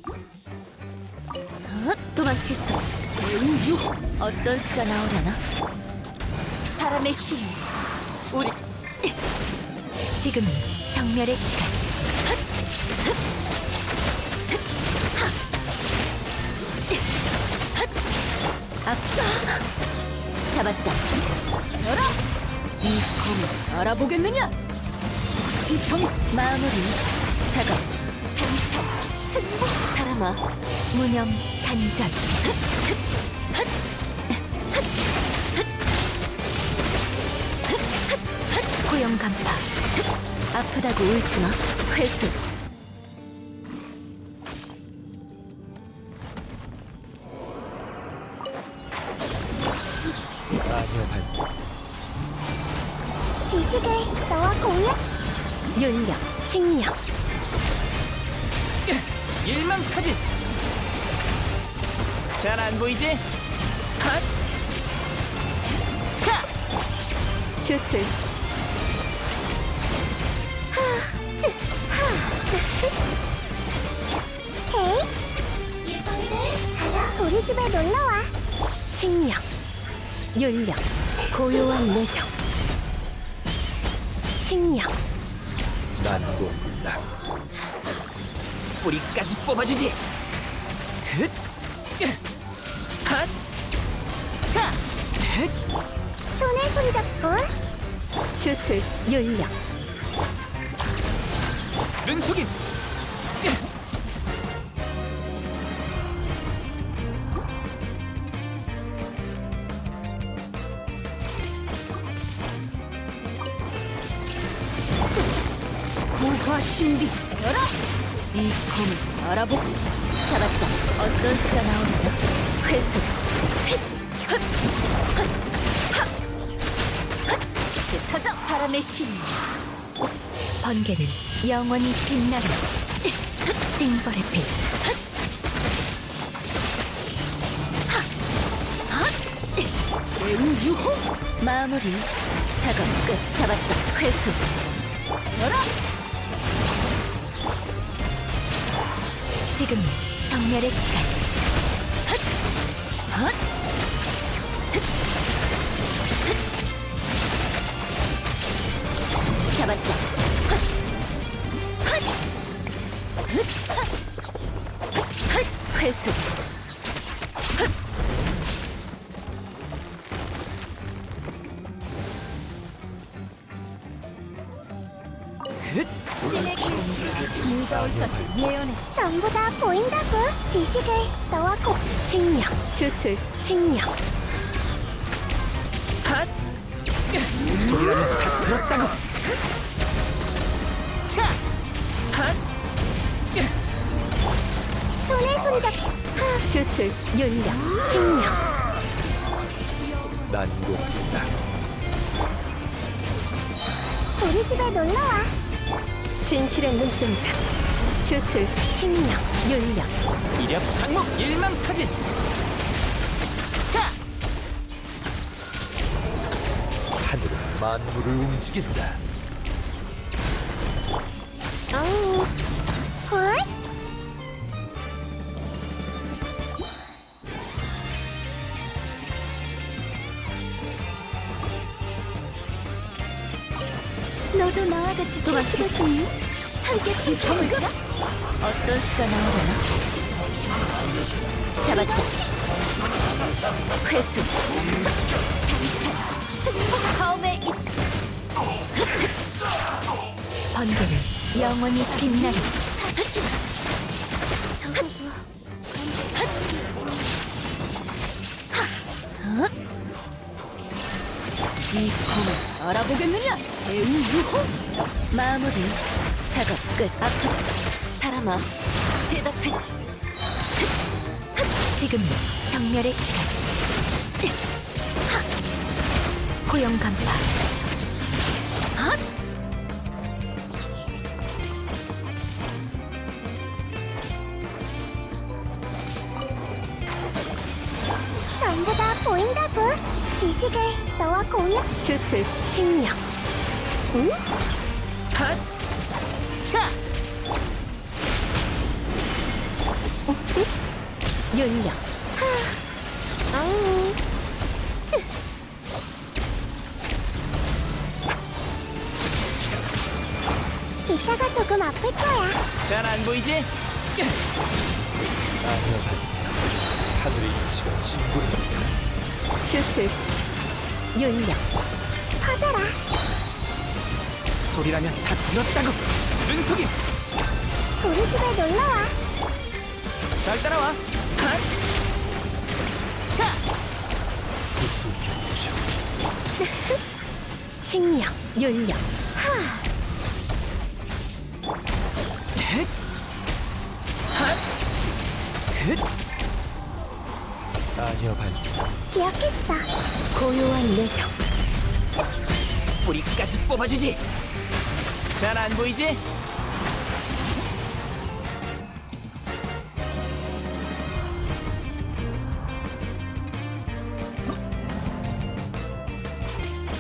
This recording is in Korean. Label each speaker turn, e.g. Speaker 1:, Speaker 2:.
Speaker 1: 도망칠 수 제우유. 어떤 수가 나오려나? 바람의 신 우리 지금은 정멸의 시간. 아빠 잡았다. 열어! 이 검을 알아보겠느냐? 즉시성 마무리 작업 단타 승부 사람아 무념 단전 고용 간파 아프다고 울지마 회수
Speaker 2: 마녀 반스
Speaker 3: 지식을 너와 공유.
Speaker 1: 윤력 칭력
Speaker 2: 일망타진. 잘 안 보이지? 핫! 차!
Speaker 1: 주술
Speaker 3: 헤이. 우리 집에 놀러와.
Speaker 1: 칭력 윤력 고요한 내정 칭력
Speaker 2: 난공불락. 뿌리까지 뽑아주지. 흑! 핫! 차! 흑!
Speaker 3: 손에 손잡고.
Speaker 1: 주술 윤력
Speaker 2: 눈속임.
Speaker 1: 고화 신비 열어! 이 검을 알아보고 잡았다. 어떤 수가 나오려나? 회수 흩어져 바람의 신 번개는 영원히 빛나리 징벌의 빛 제우유호 마무리 작업 끝 잡았다. 회수 열어! 지금 정멸의 시간. 헛! 헛! 잡았다. 헛! 헛! 헛! 헛! 회수. 헛!
Speaker 2: 흑!
Speaker 1: 신의 기운이 무거울 것을 예언했어.
Speaker 3: 전부 다 보인다고. 지식을 너와 공.
Speaker 1: 칭력, 주술, 칭력.
Speaker 2: 핫! 소리라면 다 들었다고. 차! 핫!
Speaker 3: 손에 손잡.
Speaker 1: 주술, 윤력, 칭력.
Speaker 2: 난공불락.
Speaker 3: 우리 집에 놀러와.
Speaker 1: 진실의 눈동자. 주술, 칭력, 윤력.
Speaker 2: 이력 장목 일망타진. 차! 하늘은 만물을 움직인다.
Speaker 3: 헐?
Speaker 1: 너도 나와 같이 도망치고 싶니? 함께 지성을까? 어떤 수가 나오려나? 잡았다. 회수. 승부 다음에 이 번개는 영원히 빛나리. 이 검을 알아보겠느냐? 제우유호 마무리 작업 끝. 아프다 바람아 대답해. 지금이 정멸의 시간. 고용 간파.
Speaker 3: 전부 다 보인다고. 지식을 너와 공유.
Speaker 1: 주술 칭력.
Speaker 3: 응?
Speaker 2: 핫! 차!
Speaker 1: 윤력.
Speaker 3: 앙. 이따가 조금 아플 거야.
Speaker 2: 잘 안 보이지? 아녀 반사. 하늘의 이치가 진군한다.
Speaker 1: 주술. 윤력.
Speaker 3: 퍼져라.
Speaker 2: 소리라면 다 들었다고. 은속임.
Speaker 3: 우리 집에 놀러와.
Speaker 2: 잘 따라와. 핫. 차. 구수병주.
Speaker 1: 칭령. 윤력.
Speaker 2: 헷. 핫. 긋. 아녀 반사.
Speaker 3: 기억했어.
Speaker 1: 고요한 내정.
Speaker 2: 뿌리까지 뽑아주지. 잘 안 보이지?